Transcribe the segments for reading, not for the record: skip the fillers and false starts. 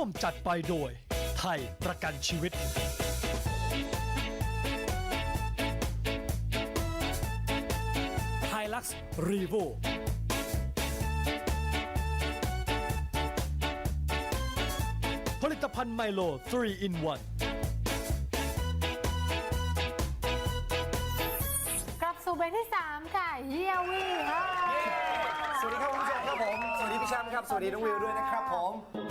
มจัดไปโดยไทยประกันชีวิตไฮลักซ์รีโวผลิตภัณฑ์ไมโล3 in 1 กลับสู่เบรกที่ 3 ค่ะเยี่ยวี่ค่ะสวัสดีครับคุณผู้ชมครับผมสวัสดีพี่แชมป์ครับสวัสดีน้องวิวด้วยนะครับผม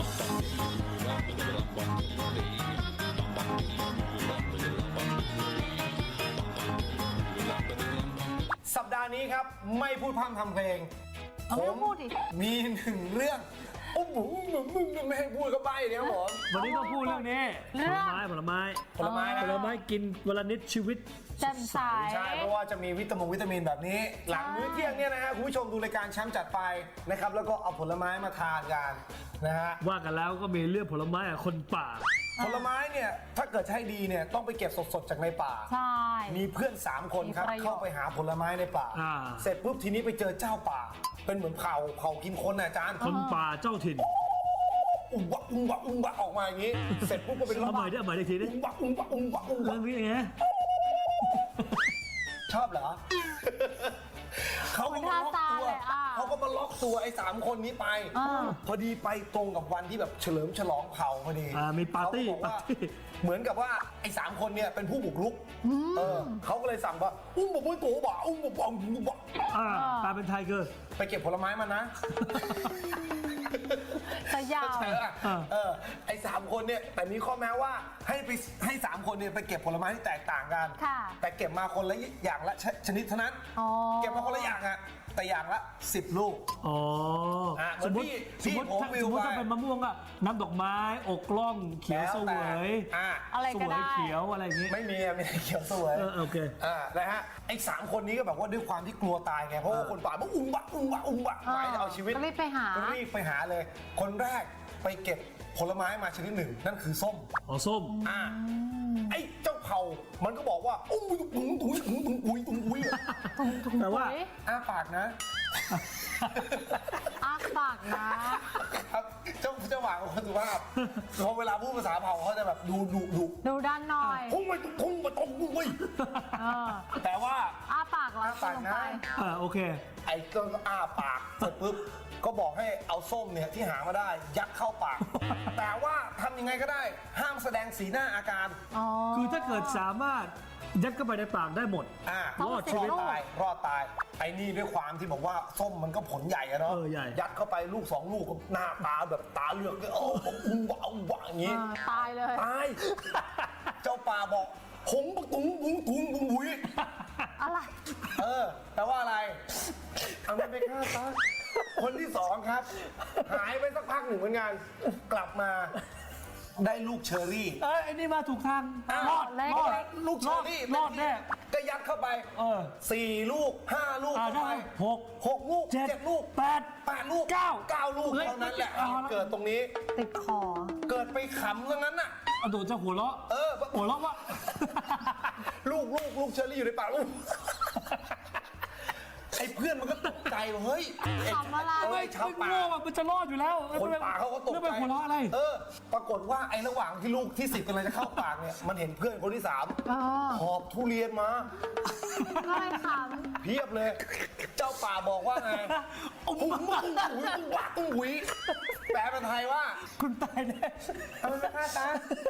สัปดาห์นี้ครับไม่พูดพร่ำทำเพลงผมมีหนึ่งเรื่องโอ้โหมึงไม่ให้พูดก็ใบ้เนี่ยครับผมวันนี้ต้องพูดเรื่องนี้ผลไม้กินวันละนิดชีวิตแจ่มใสใช่เพราะว่าจะมีวิตามินแบบนี้หลังมื้อเที่ยงเนี่ยนะฮะคุณผู้ชมดูรายการแชมป์จัดไปนะครับแล้วก็เอาผลไม้มาทานกันนะฮะว่ากันแล้วก็มีเรื่องผลไม้กับคนป่าผลไม้เนี่ยถ้าเกิดใช้ดีเนี่ยต้องไปเก็บสดๆจากในป่าใช่มีเพื่อน3คนครับเข้าไปหาผลไม้ในป่าเสร็จปุ๊บทีนี้ไปเจอเจ้าป่าเป็นเหมือนเผากินคนนะอาจารย์คนป่าเจ้าถิ่นอุ้มบะออกมาอย่างนี้เสร็จปุ๊บก็เป็นเอาใหม่ได้ทีนี้อุ้มบะเรื่องนี้ไงชอบเหรอเขาก็มาล็อกตัวไอ้3คนนี้ไปพอดีไปตรงกับวันที่แบบเฉลิมฉลองเผาพอดีมีปาร์ตี้เหมือนกับว่าไอ้3คนเนี่ยเป็นผู้บุกรุกเขาก็เลยสั่งว่าอุ้มบะตัวบ่าอุ้มบะตาเป็นไทเกอร์ไปเก็บผลไม้มานะสยามไอ้3คนเนี่ยแต่มีข้อแม้ว่าให้3คนเนี่ยไปเก็บผลไม้ที่แตกต่างกันแต่เก็บมาคนละอย่างละชนิดเท่านั้นเก็บมาคนละอย่างอะแต่อย่างละ10 ลูกสมมติถ้าเป็นมะม่วงอะน้ำดอกไม้อกกล้องเขียวเสวยอะไรก็ได้เขียวอะไรอย่างงี้ไม่มีเขียวเสวยโอเคนะฮะไอ้3คนนี้ก็แบบว่าด้วยความที่กลัวตายไงเพราะว่าคนป่ามันอุ้มบะหมายจะเอาชีวิตรีบไปหาเลยคนแรกไปเก็บผลไม้มาชนิดหนึ่งนั่นคือส้มส้มไอ้เจ้าเผามันก็บอกว่าตุ้งแต่ว่าอ้าปากนะครับเจ้าหวานของคนสุภาพเขาเวลาพูดภาษาเผาเขาจะแบบดูด้านหน่อยพุ่งไปแต่ว่าอ้าปากแล้วปากนะโอเคไอ้ต้นอ้าปากเสร็จปุ๊บก็บอกให้เอาส้มเนี่ยที่หามาได้ยัดเข้าปากแต่ว่าทำยังไงก็ได้ห้ามแสดงสีหน้าอาการคือถ้าเกิดสามารถยัดเข้าไปในปากได้หมดรอดชีวิตรอดตายไอ้นี่ด้วยความที่บอกว่าส้มมันก็ผลใหญ่อะเนาะยัดเข้าไปลูก2 ลูกก็หน้าตาแบบตาเหลือกเลยอุ้มบะอย่างงี้ตายเลยตายเจ้าป่าบอกหงปะตุ้งบุยอะไรแต่ว่าอะไรเอาไม่ไปฆ่าซะคนที่2ครับหายไปสักพักหนึ่งเหมือนกันกลับมาได้ลูกเชอรี่ไอ้นี่มาถูกทางรอดลูกเชอรี่รอดแน่ก็ยัดเข้าไป4 ลูก5 ลูกเข้าไป6 ลูก7 ลูก8 ลูก9 ลูกเท่านั้นแหละเกิดตรงนี้ติดคอเกิดไปขำซะงั้นน่ะโดนจะหัวเราะว่าลูกเชอรี่อยู่ในปากลูกไอ้เพื่อนมันก็ตกใจเฮ้ยขำอะไรชาวป่ามันจะรอดอยู่แล้วคนป่าเขาก็ตกใจหัวเราะอะไรปรากฏว่าไอ้ระหว่างที่ลูกที่10กำลังจะเข้าปากเนี่ยมันเห็นเพื่อนคนที่3หอบทุเรียนมาก็เลยขำเพียบเลยเจ้าป่าบอกว่าไงตุ้งหุยแปลเป็นไทยว่าคุณตายแน่ทำไมไม่ฆ่าตา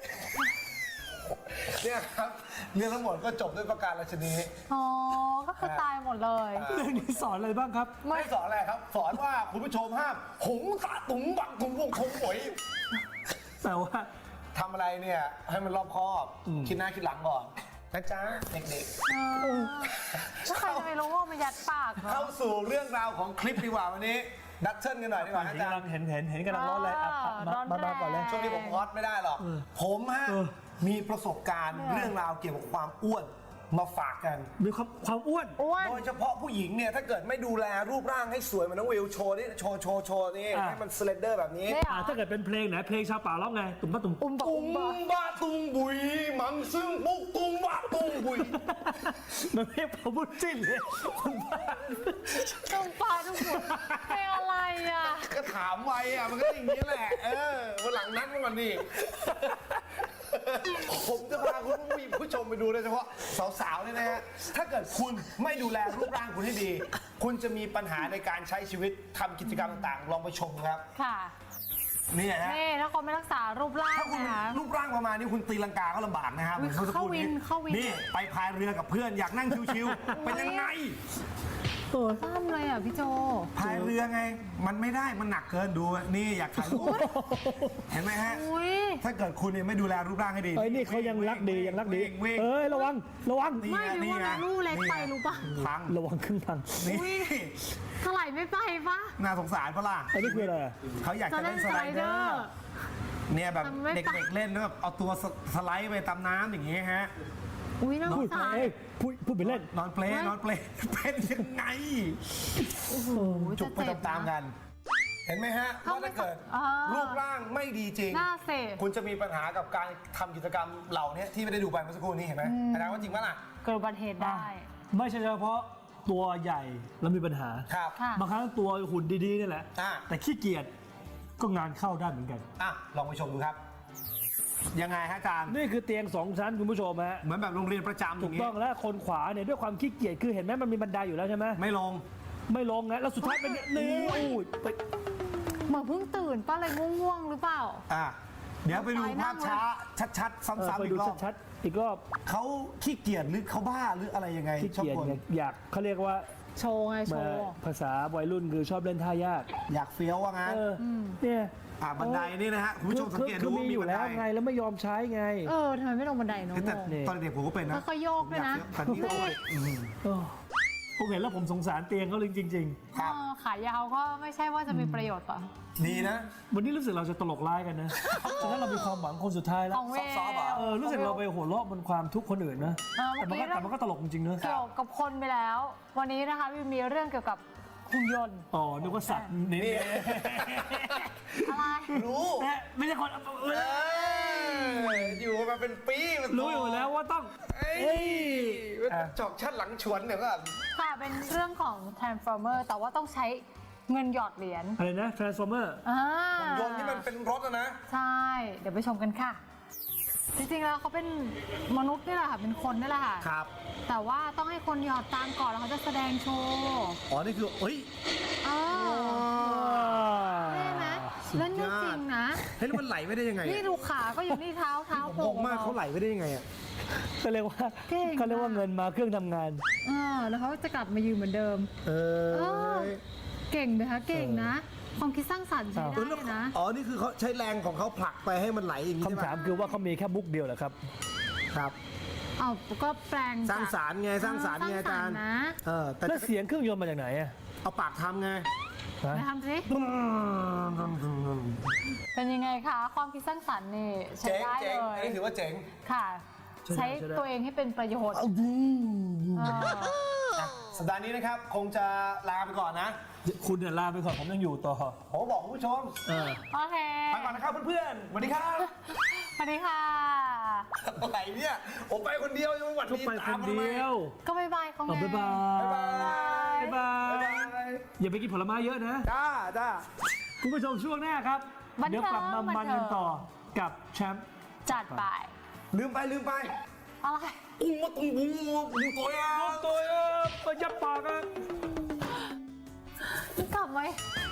เนี่ยครับเรื่องทั้งหมดก็จบด้วยประการราชนีก็คือตายหมดเลยเรื่องนี้สอนอะไรบ้างครับไม่สอนอะไรครับสอนว่าคุณผู้ชมห้ามหงตาตุ้งบังตุ้งวงคงหวยแต่ว่าทำอะไรเนี่ยให้มันรอบคอบคิดหน้าคิดหลังก่อนนะจ๊ะเด็กๆถ้าใครจะไม่รู้ว่ามันยัดปากเข้าสู่เรื่องราวของคลิปดีกว่าวันนี้ดักเชิลกันหน่อยดีกว่าอาจารย์เห็นกำลังร้อนเลยมาก่อนเลยช่วงนี้ผมฮอตไม่ได้หรอกผมมีประสบการณ์เรื่องราวเกี่ยวกับความอ้วนมาฝากกันมีความอ้วนโดยเฉพาะผู้หญิงเนี่ยถ้าเกิดไม่ดูแลรูปร่างให้สวยเหมือนน้องวิวโชว์นี่โชว์นี่ให้มันสเลนเดอร์แบบนี้ถ้าเกิดเป็นเพลงไหนเพลงชาวป่าร้องไงตุ้มบ้าตุ้มบุยมังซึ่งปุ๊กตุ้มบ้าตุ้มบุยมันไม่พอพูดจริงเลยตุ้มปลาตุ้มบุยเพลงอะไรอ่ะก็ถามไวอ่ะมันก็อย่างนี้แหละวันหลังนัดมันก่อนดิผมจะพาคุณผู้ชมไปดูโดยเฉพาะสาวๆเนี่ยนะฮะถ้าเกิดคุณไม่ดูแลรูปร่างคุณให้ดี คุณจะมีปัญหาในการใช้ชีวิตทำกิจกรรมต่างๆลองไปชมครับค่ะนี่ฮะนี่ถ้าคนไม่รักษารูปร่างถ้าคุณนะคะรูปร่างประมาณนี้คุณตีลังกาก็ลำบากนะครับอุ๊ยหมือนมื่อสักครู่เข้าวินนี่ไปพายเรือกับเพื่อนอยากนั่งชิวๆเป็นยังไงซ้ำเลยอ่ะพี่โจพายเรือไง มันไม่ได้มันหนักเกินดูนี่อยากถ่ายรูปเห็นไหมฮะอุ้ยถ้าเกิดคุณเนี่ยไม่ดูแลรูปร่างให้ดีเอ้ยนี่เขายังรักดียังรักดีวิ่งเอ้ยระวังระวังนี่ไม่ไงรู้นี่ว่าไงลูกเล็กไปรู้ป่ะพังระวังครึ่งทางนี่ถลายไม่ไปปะน่าสงสารปะล่ะอันนี้คืออะไรอะเขาอยากจะเล่นสไลเดอร์เนี่ยแบบเด็กๆเล่นแล้วแบบเอาตัวสไลด์ไปตามน้ำอย่างงี้ฮะอุ้ยน่าสพูงดสารเอ้ยพูดไปเล่นนอนเปลเป็นยังไงโอ้โหจุกไปตามๆกัน เห็นไหมฮะว่าถ้าเกิดรูปร่างไม่ดีจริงน่าเสพคุณจะมีปัญหากับการทำกิจกรรมเหล่านี้ที่ไม่ได้ดูไปเมื่อสักครู่นี้เห็นไหมอาจารย์ว่าจริงปะล่ะเกิดอุบัติเหตุได้ไม่ใช่เฉพาะตัวใหญ่แล้วมีปัญหาครับค่ะบางครั้งตัวหุ่นดีๆนี่แหละอ่ะแต่ขี้เกียจก็งานเข้าได้เหมือนกันอ่ะลองไปชมดูครับ ยังไงฮะอาจารย์นี่คือเตียง2 ชั้นคุณผู้ชมฮะเหมือนแบบโรงเรียนประจำอถูย่าก งงี้ต้องแล้วคนขวาเนี่ยด้วยความขี้เกียจคือเห็นไหมมันมีบันไดอยู่แล้วใช่ไหมไม่ลงไม่ลงนะแล้วสุดท้ายเป็นนี่อุ้ยไปเหมือนเพิ่งตื่นป้าเลยง่วงๆหรือเปล่าอ่ะเดี๋ยวไปดูภาพช้าชัดๆ ซ้ำๆไปอีดูกรอบชัดๆอีกรอบเขาขี้เกียจหรือเขาบ้าหรืออะไรยังไงขี้เกียจชอบบ่นเนี่ยอยากเขาเรียกว่าโชว์ไงโชมาว์ภาษาวัยรุ่นคือชอบเล่นท่ายากอยากเฟี้ยวว่างั้นเนี่ยบันไดนี่นะฮะคุณผู้ชมสังเกตดูคือมีอยู่บันแล้วไดไงแล้วไม่ยอมใช้ไงทำไมไม่ลงบันไดเน้องแต่นี่ตอนเด็กผมก็เป็นนะค่อยๆโยกด้วยนะแต่นี่โอ้ยผมเห็นแล้วผมสงสารเตียงเขาเลยจริงครับขายาวก็ไม่ใช่ว่าจะมีประโยชน์ป่ะดีนะๆ วันนี้รู้สึกเราจะตลกร้ายกันนะฉะนั้นเรามีความหวังคนสุดท้ายแล้วของเวซอฟต์ๆเหรอรู้สึกเราไปหัวเราะบนความทุกข์คนอื่นนะเมื่อกี้แต่มันก็ตลกจริงๆนะเกี่ยวกับคนไปแล้ว วันนี้นะคะมีเรื่องเกี่ยวกับหุ่นยนต์อ๋อนึกว่าสัตว์นี่อะไรรู้ไม่ใช่คนอยู่มาเป็นปีมันรู้อยู่แล้วว่าต้องเอ้ยจอกชัดหลังชวนเดี๋ยวก็ค่ะเป็นเรื่องของ Transformer แต่ว่าต้องใช้เงินหยอดเหรียญอะไรนะ Transformer ยนต์ที่มันเป็นรถนะใช่ เดี๋ยวไปชมกันค่ะ จริงๆแล้วเขาเป็นมนุษย์นี่แหละค่ะ เป็นคนนี่แหละค่ะครับแต่ว่าต้องให้คนหยอดตังค์ก่อนแล้วเขาจะแสดงโชว์อ๋อ นี่คือเฮ้ยเออได้ไหมเล่นได้จริงนะเฮ้ยแล้วมันไหลไม่ได้ยังไงนี่ดูขาก็อยู่นี่เท้างโผล่งมากเขาไหลไม่ได้ยังไงอ่ะเขาเรียกว่าเก่งเขาเรียกว่าเงินมาเครื่องทำงานแล้วเขาจะกลับมายืนเหมือนเดิมเออเก่งนะคะเก่งนะ ความคิดสร้างสรรค์ใช้ได้เลยนะอ๋อ นี่คือเขาใช้แรงของเขาผลักไปให้มันไหลอย่างนี้ใช่ไหมคำถามคือว่าเขามีแค่มุกเดียวเหรอครับครับเอาก็แปลงสร้างสรรค์ไงสร้างสรรค์ไงอาจารย์นะแต่แล้วเสียงเครื่องยนต์มาจากไหนอะเอาปากทำไงฮะไปทำสิเป็นยังไงคะความคิดสร้างสรรค์นี่ใช้เจ๋งได้เจ๋เลงยอันนี้ถือว่าเจ๋งค่ะ ใช้ตัวเองให้เป็นประโยชน์สัปดาห์นี้นะครับ คงจะลาไปก่อนนะคุณเนี่ยลาไปก่อนผมยังอยู่ต่อผมบอกคุณผู้ชมโอเคไปก่อนนะครับเพื่อนๆสวัสดีครับสวัสดีค่ะอะไรเนี่ย ผมไปคนเดียวยังไม่หวัดก็ดีไปคนเดียวก็บายบายเขาไงบ๊ายบายบ๊ายบายบ๊ายบายอย่าไปกินผลไม้เยอะนะจ้าคุณผู้ชมช่วงหน้าครับบันเทิงเดี๋ยวกลับมามันกันต่อบันเทิงกับแชมป์จัดไปลืมไปอะไรอุ้งมาตุ้งบุ้งบุ้งตัวอ่ะตัวไปยับปากกันกลับไหม